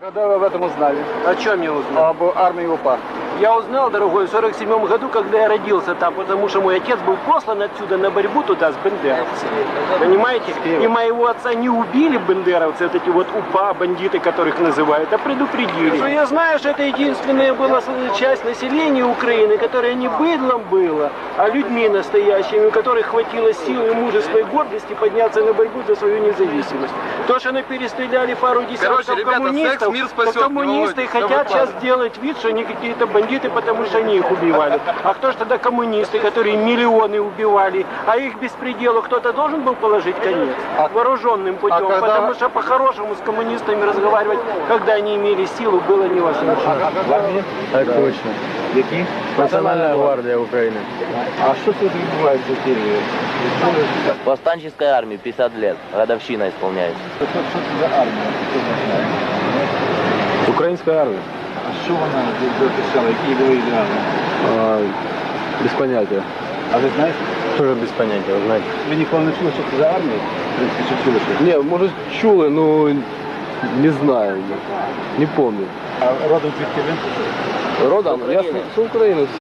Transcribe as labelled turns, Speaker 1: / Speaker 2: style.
Speaker 1: Когда вы об этом узнали?
Speaker 2: О чем я узнал?
Speaker 1: Об армии УПА.
Speaker 2: Я узнал, дорогой, в 47 году, когда я родился там, потому что мой отец был послан отсюда на борьбу туда с бендеровцами. Понимаете? И моего отца не убили бендеровцы, вот эти вот УПА, бандиты, которых называют, а предупредили. Но я знаю, что это единственная была часть населения Украины, которая не быдлом была, а людьми настоящими, у которых хватило силы, мужества и гордости подняться на борьбу за свою независимость. То, что они перестреляли пару десятков коммунистов, то коммунисты хотят сейчас сделать вид, что они какие-то бандиты, потому что они их убивали. А кто же тогда коммунисты, которые миллионы убивали, а их беспределу кто-то должен был положить конец? Вооруженным путем, потому что по-хорошему с коммунистами разговаривать, когда они имели силу, было невозможно.
Speaker 1: Так точно. Які?
Speaker 3: Национальная гвардия Украины.
Speaker 1: А що тут відбувається в Києві?
Speaker 3: Повстанческой армии 50 лет. Годовщина исполняется.
Speaker 1: Що це за армія? Що це знає?
Speaker 3: Украинская армия?
Speaker 1: А що вона захищала? Які були ідеали?
Speaker 3: Без понятия.
Speaker 1: А ви знаєте?
Speaker 3: Тоже без понятия, вы знаете.
Speaker 1: Ви ніколи не чули, що це за армія? В принципі, чи чули щось?
Speaker 3: Не, может чулы, но не знаю. Не помню.
Speaker 1: А родом звідки ви?
Speaker 3: Родом? Я с Украины.